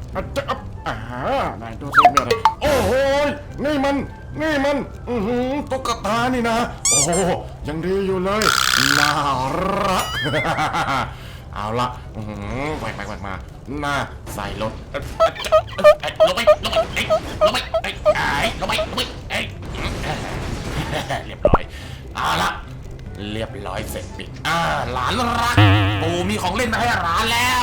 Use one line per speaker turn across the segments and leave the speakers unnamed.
จะนายดูสิเนี่ยโอ้โหนี่มันตุ๊กตานี่นะโอ้โหยังดีอยู่เลยน่ารักเอาละแหวกมาหน้าใส่รถลงไปเรียบร้อยเอาละเรียบร้อยเสร็จปิดหลานรักปู่มีของเล่นมาให้หลานแล้ว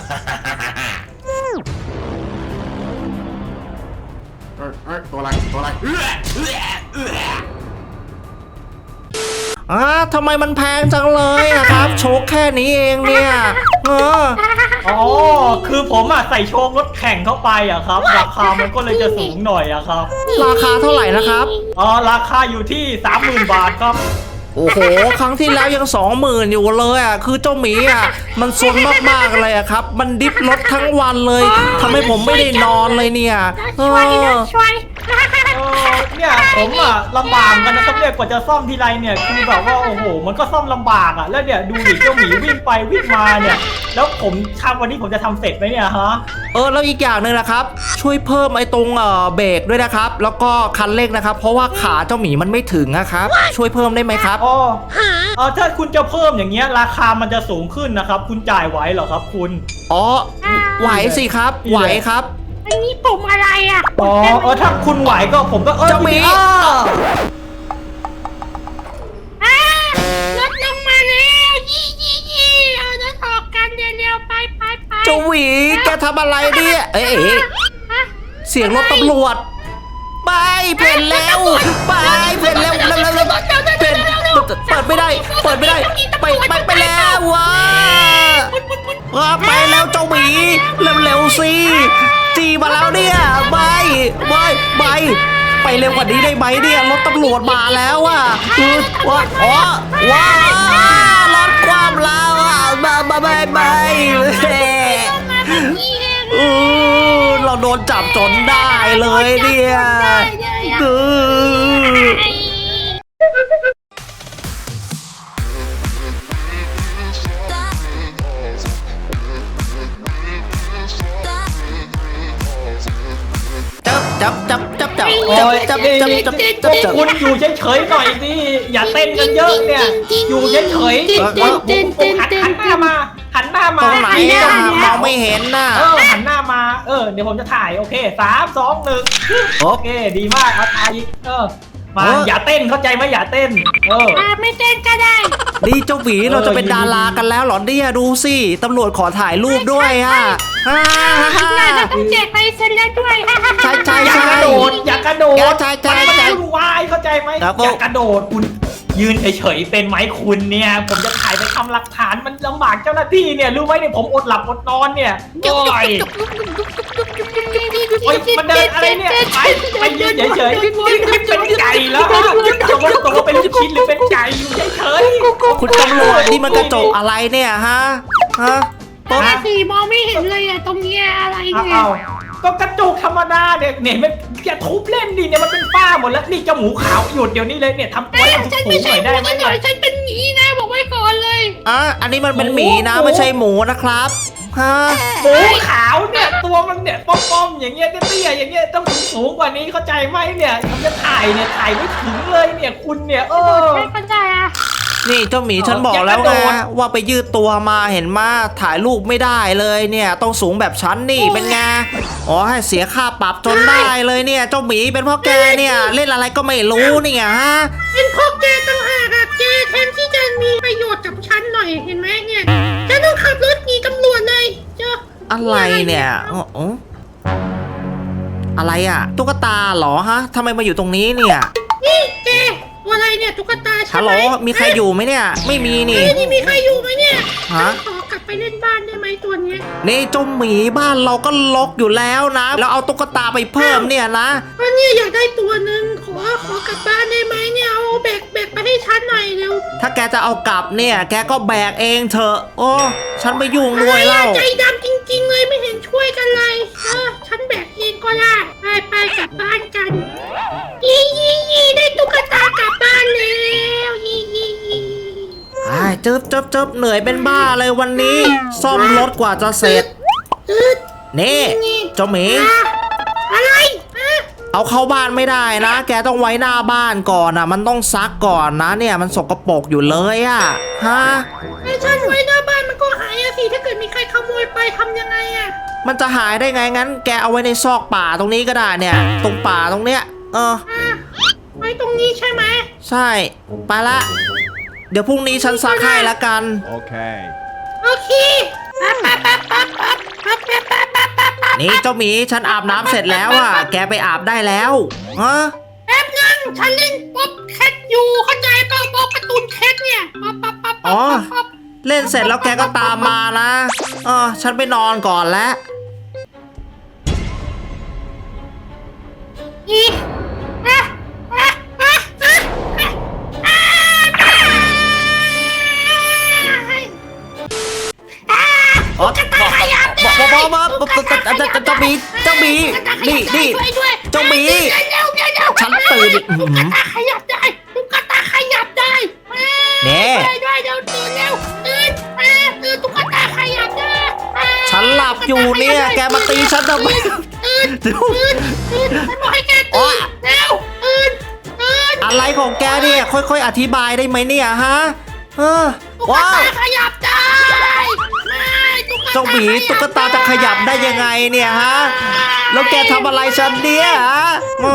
ตัวอะไร
ทำไมมันแพงจังเลยอะครับโชคแค่นี้เองเนี่ย
อ๋อคือผมใส่โชครถแข่งเข้าไปอะครับราคามันก็เลยจะสูงหน่อยอะครับ
ราคาเท่าไหร่นะครับ
ราคาอยู่ที่ 30,000 บาทครับ
โอ้โหครั้งที่แล้วยัง 20,000 อยู่เลยอ่ะคือเจ้าหมีอ่ะมันซนมากๆเลยอ่ะครับมันดิฟรถทั้งวันเลยทำให้ผมไม่ได้นอนเลยเนี่ย
ช่วยเนี่ยผมลำบากกันนะครับเนี่ยกว่าจะซ่อมทีไรเนี่ยคือแบบว่าโอ้โหมันก็ซ่อมลำบากแล้วเนี่ยดูดิเจ้าหมีวิ่งไปวิ่งมาเนี่ยแล้วผมวันนี้ผมจะทำเสร็จไหมเนี่ยฮะ
แล้วอีกอย่างหนึ่งนะครับช่วยเพิ่มไอ้ตรงเบรกด้วยนะครับแล้วก็คันเร่งนะครับเพราะว่าขาเจ้าหมีมันไม่ถึงนะครับช่วยเพิ่มได้ไหมครับ
ถ้าคุณจะเพิ่มอย่างเงี้ยราคามันจะสูงขึ้นนะครับคุณจ่ายไหวเหรอครับคุณ
ไหวสิครับไหวครับ
อันนี้ปุ่มอะไร
ถ้าคุณไหวก็ผมก็
เจ้าหมี
รถลงมาแล้วยี่เอารถออกกันเร็วๆไป
เจ้าหวีแกทำอะไรเนี่ยเสียงรถตำรวจไปเพ่นแล้วเพ่นแล้วเปิดไม่ได้ไปแล้วว้าไปแล้วเจ้าหมีเร็วสิจีมาแล้วเนี่ยไปเร็วกว่านี้ได้ไหมเนี่ยรถตำรวจมาแล้วว้ารถความแล้วไปเราโดนจับจนได้เลยเนี่ยจับ
คุณอยู่เฉยๆหน่อยสิอย่าเต้นกันเยอะเนี่ยอยู่เฉยๆหันหน้ามา
ตรงไหนมองไม่เห็นน่ะ
หันหน้ามาเดี๋ยวผมจะถ่ายโอเค3 2 1โอเคดีมากเอาถ่ายอีกมาอย่าเต้นเข้าใจไหมอย่าเต้น
ไม่เต้นก็ได้
ดีเจ้าหวีเราจะเป็นดารากันแล้วหรอเนี่ยดูสิตำรวจขอถ่ายรูปด้วย
ต้องแจกไปเซ็นแล้วด้วย
ใช่
อย่ากระโดด
ใช่
มันวายเข้าใจไหมอย่ากระโดดคุณยืนเฉยๆเป็นไหมคุณเนี่ยผมจะถ่ายไปทำหลักฐานมันลำบากเจ้าหน้าที่เนี่ยรู้ไหมเนี่ยผมอดหลับอดนอนเนี่ยมันเดินอะไรเนี่ยไปยืนเฉยๆเป็นไก่แล้วตัวเป็นลูกชิ้นหรือเป็นไก่อยู่เฉย
ๆคุณตำรวจนี่มันกระจกอะไรเนี่ยฮะ
สีมองไม่เห็นเลยตรงนี้อะไรเนี่ย
ก็กระจกธรรมดาเนี่ยมันอย่าทุบเล่นดิเนี่ยมันเป็นฝ้าหมดแล้วนี่เจ้าหมูขาวหยุดเดี๋ยวนี้เลยเนี่ยทำตัวให้
ฉันไม่ใช่หมูหน่อยฉันเป็นหมีนะบอกไว้ก่อนเลย
อันนี้มันเป็นหมีนะไม่ใช่หมูนะครับ
หมูขาวเนี่ยตัวมันเนี่ยป้อมๆอย่างเงี้ยเตี้ยอย่างเงี้ยต้องสูงกว่านี้เข้าใจไหมเนี่ยผมจะถ่ายไม่ถึงเลยเนี่ยคุณเนี่ย
ไม่เข้าใจ
นี่เจ้าหมีฉันบอกแล้วไงว่าไปยืดตัวมาเห็นมาถ่ายรูปไม่ได้เลยเนี่ยต้องสูงแบบฉันนี่เป็นไงให้เสียค่าปรับจนได้เลยเนี่ยเจ้าหมีเป็นเพราะแกเนี่ยเล่นอะไรก็ไม่รู้เนี่ยฮะ
เป็นเพราะแกต่างหากแกแทนที่จะมีประโยชน์กับฉันหน่อยเห็นไหมเนี่ยฉันต้องขับรถหนีตำรวจเลย
อะไรเนี่ยอะไรตุ๊กตาเหรอฮะทำไมมาอยู่ตรงนี้เนี่ย
นี่แกอะไรเนี่ยตุ๊กตา
ฮัลโหลมีใครอยู่ไหมเนี่ยไม่มีนี่
มีใครอยู่ไหมเนี่ยขอกลับไปเล่นบ้านได้ไหมตัวนี้
นี่เจ้าหมีบ้านเราก็ล็อกอยู่แล้วนะแล้วเอาตุ๊กตาไปเพิ่มเนี่ยนะ
วันนี้อยากได้ตัวหนึ่งขอกลับบ้านได้ไหมเนี่ยเอาแบกไปให้ฉันหน่อยเร็ว
ถ้าแกจะเอากลับเนี่ยแกก็แบกเองเถอะฉันไม่ยุ่งด้วยเล่า
ใจดำจริงๆเลยไม่เห็นช่วยกันเลยฉันแบกเองก็ได้ไปกลับบ้านกันยี่ได้ตุ๊กตากลับบ้านแล้ว
จึ๊บเหนื่อยเป็นบ้าเลยวันนี้ซ่อมรถกว่าจะเสร็จนี่เจ้าหมี
อะไรอ่ะ
เอาเข้าบ้านไม่ได้นะ แกต้องไว้หน้าบ้านก่อนมันต้องซักก่อนนะเนี่ยมันสกปรกอยู่เลยฮะ
ไอ้ฉันไว้หน้าบ้านมันก็หายอะสิถ้าเกิดมีใครขโมยไปทำยังไงอะ
มันจะหายได้ไงงั้น แกเอาไว้ในซอกป่าตรงนี้ก็ได้เนี่ย ตรงป่าตรงเนี้ย
ไว้ตรงนี้ใช่ไหม
ใช่ไปละเดี๋ยวพรุ่งนี้ฉันซักให้ละกัน
Okay.
โอเคปั๊บ
นี่เจ้าหมีฉันอาบน้ำเสร็จแล้วแกไปอาบได้แล้ว
แป๊บนึงฉันเล่นป๊อปแคทอยู่เข้าใจป่ะป๊อปการ์ตูนแคทเนี่ยปั๊บ
อ๋อเล่นเสร็จแล้วแกก็ตามมานะฉันไปนอนก่อนแล้ว
อี
อ๋อเจ้าหมีเจ้าหมีนี่เจ้าหมีฉันตื่น
ตุ๊กตาขยับได้ตุ๊กตาขยับได้เดี๋ยวตื่นแล้วตื่นตุ๊กตาขยับได้
ฉันหลับอยู่เนี่ยแกมาตีฉันทำไม
ตื่นฉันบอกให้แกตื่นแล้วตื่น
อะไรของแกเนี่ยค่อยๆอธิบายได้ไหมเนี่ยฮะ
ตุ๊กตาขยับได้
เจ้าหมีตุ๊กตาจะขยับได้ยังไงเนี่ยฮะแล้วแกทำอะไรฉันเนี่ยฮะ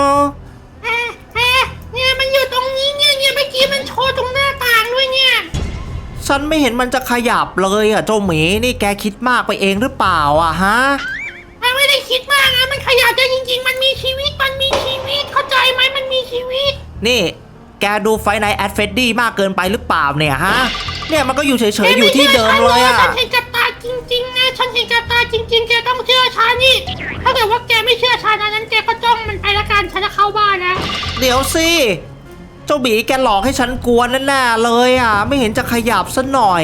เนี่ยมันอยู่ตรงนี้เนี่ยเมื่อกี้มันโชว์ตรงหน้าต่างด้วยเนี่ย
ฉันไม่เห็นมันจะขยับเลยเจ้าหมีนี่แกคิดมากไปเองหรือเปล่าฮะ
ไม่ได้คิดมากนะมันขยับได้จริงๆมันมีชีวิตเข้าใจไหมมันมีชีวิต
นี่แกดูไฟไนท์แอดเฟดดี้มากเกินไปหรือเปล่าเนี่ยฮะเนี่ยมันก็อยู่เฉยๆอยู่ที่เดิมเลย
ฉันเห็นกับตาจริงๆไงฉันเห็นกับตาจริงๆแกต้องเชื่อฉันนี่ถ้าเกิดว่าแกไม่เชื่อฉันนั้นแกก็จ้องมันไปละกันฉันจะเข้าบ้านนะ
เดี๋ยวสิเจ้าบีแกหลอกให้ฉันกลัวแน่ๆเลยไม่เห็นจะขยับซะหน่อย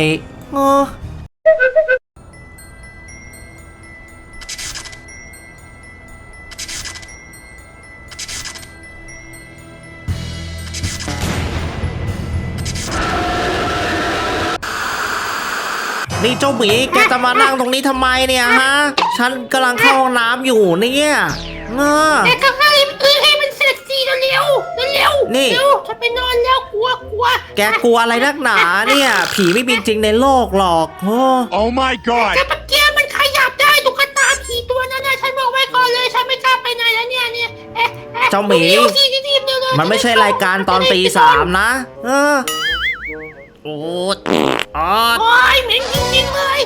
นี่เจ้าหมีแกจะมานั่งตรงนี้ทำไมเนี่ยฮะฉันกำลังเข้าห้องน้ำอยู่เนี่ย
แกก็ให้มันเสร็จสิเร็วนี่ฉันไปนอนแล้วกลัว
แกกลัวอะไรนักหนาเนี่ยผีไม่มีจริงในโลกหรอก
Oh my god
แต่ปัจเจียมันขยับได้ตุ๊กตาผีตัวนั้นนะฉันบอกไว้ก่อนเลยฉันไม่กล้าไปไหนแล้วเนี่ย
เจ้าหมีมันไม่ใช่รายการตอนตี 3นะโอ้
ยเหม็นจริงๆเลย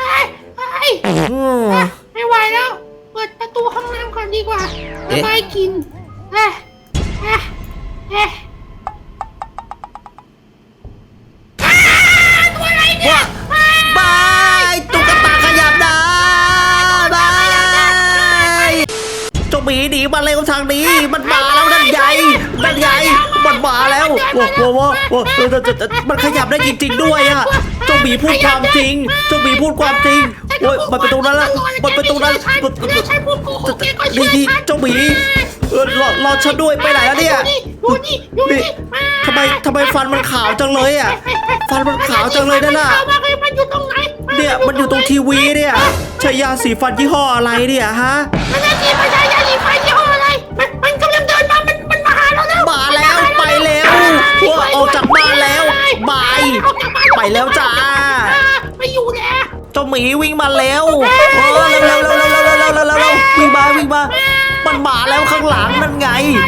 ไม่ไหวแล้วเปิดประตูห้องน้ำก่อนดีกว่าระบายกลิ่นตัวอะไรเนี่ย
บายตุ๊กตาขยับได้บายเจ้าหมีหนีมาเร็วทางนี้มันมาแล้วนั่นใหญ่มันมาแล้วโอ้มันขยับได้จริงๆด้วยเจ้าหมีพูดความจริงโอ้ยมันไปตรงนั้นแล้วมันไปตรงนั้นดีเจ้าหมีรอฉันด้วยไปไหนแล้วเนี่ยทำไมฟันมันขาวจังเลยฟันมันขาวจังเลยนั่นน่ะเนี่ยมันอยู่ตรงทีวีเนี่ยใช้ยาสีฟันยี่ห้ออะไรเนี่ยฮะ
ไม่ใช่ยาสีฟันยี่ห้ออะไรมันกำลังเดินมามันมาหาเราแล้ว
มาแล้วไปแล้วออกจากบ้านแล้วบายไปแล้วจ้า
ไม่อยู่แล้ว
เจ้าหมีวิ่งมาแล้วเร็ววิ่งมามันมาแล้วข้างหลังนั่นไง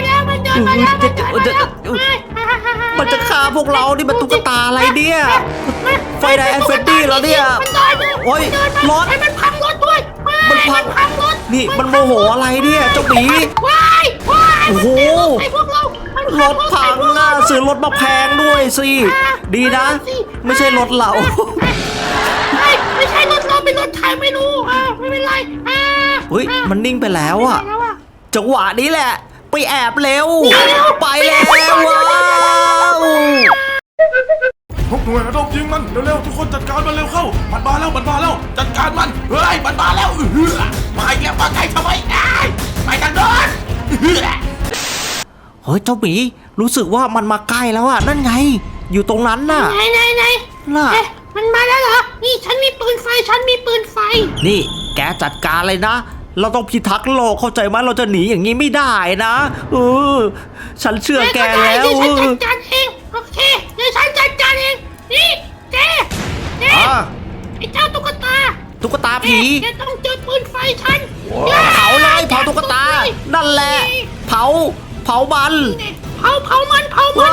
มันจะฆ่าพวกเรานี่มันตุ๊กตาอะไรเนี่ยไฟไดแอนเฟดดี้แล้วเนี่ยโอ้ยรถ
มันพังรถด้วย
มันพังรถนี่มันโมโหอะไรเนี่ยเจ้าหมีโอ้โหรถพังซื้อรถมาแพงด้วยสิดีนะไม่ใช่รถเรา
ไม่ใช่รถเราเป็นรถไทยไม่รู้ไม่เป็นไร
เฮ้ยมันนิ่งไปแล้วจังหวะนี้แหละไปแอบเร็วไปแล้วว้าว
ทุกหน่วยระดมยิงมันเร็วๆทุกคนจัดการมันเร็วเข้ามันมาแล้วจัดการมันเฮ้ยมันมาแล้วมาอีกแล้วมาไกลทำไมไปทางโน้น
เฮ้ยเจ้าหมีรู้สึกว่ามันมาใกล้แล้วนั่นไงอยู่ตรงนั้นน่ะ
ไหน
น่ะ
มันมาแล้วเหรอนี่ฉันมีปืนไฟนี่แก
จัดการเลยนะเราต้องพิทักษ์โลกเข้าใจไหมเราจะหนีอย่างนี้ไม่ได้นะฉันเชื่อแกแล้ว
เดี๋ยวฉันจัดการเองโอเคเดี๋ยวฉันจัดการเองนี่แกไอ้เจ้าตุ๊กตา
ตุ๊กตาผี
แกต้องเจอปืนไฟฉัน
เผาเลยเผาตุ๊กตา นั่นแหละ เผามัน
เผามัน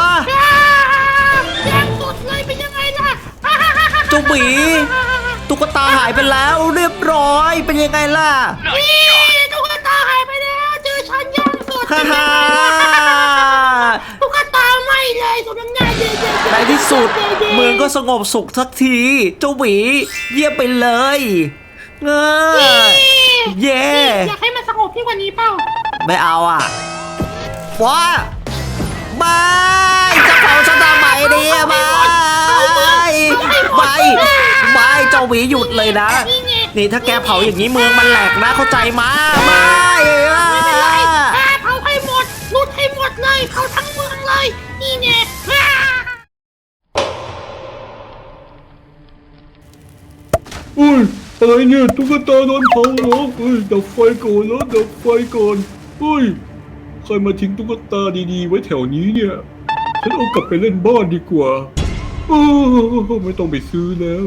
แรงสุดเลยเป็นยังไงล่ะ
เจ้าหมีตุ๊กตาหายไปแล้วเรียบร้อยเป็นยังไงล่ะ
นี่ตุ๊กตาหายไปแล้วเจอฉันยังสุด
ฮ่าฮ่า
ตุ๊กตาไม่เลยสมน้ำหน้าเย่ๆ
ในที่สุดเมืองก็สงบสุขสักที เจ้าหมีเยี่ยมไปเลยเย่
อยากให้มันสงบยิ่งกว่านี้เปล่า
ไม่เอาอ่ะว้าไม่จะเผาฉันทำไมเนี่ยไม่เจ้าหมีหยุดเลยนะ นี่ถ้าแกเผาอย่างนี้เมืองมันแหลกนะเข้าใจมาไม่
เผาให้หมดลุดให้หมดเลยเผาทั้งเมืองเลยนี่ไง
อุ้ยอะไรเนี่ยตุ๊กตาโดนเผาเหรอดับไฟก่อนแล้วดับไฟก่อนใครมาทิ้งตุ๊กตาดีๆไว้แถวนี้เนี่ยฉันเอากลับไปเล่นบ้านดีกว่าไม่ต้องไปซื้อแล้ว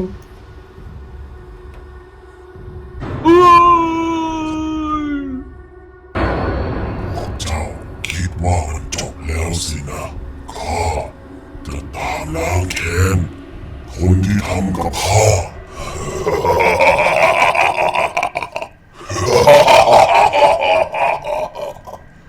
เจ้าคิดว่ามันจบแล้วสินะข้าจะตามล้างแค้นคนที่ทำกับข้า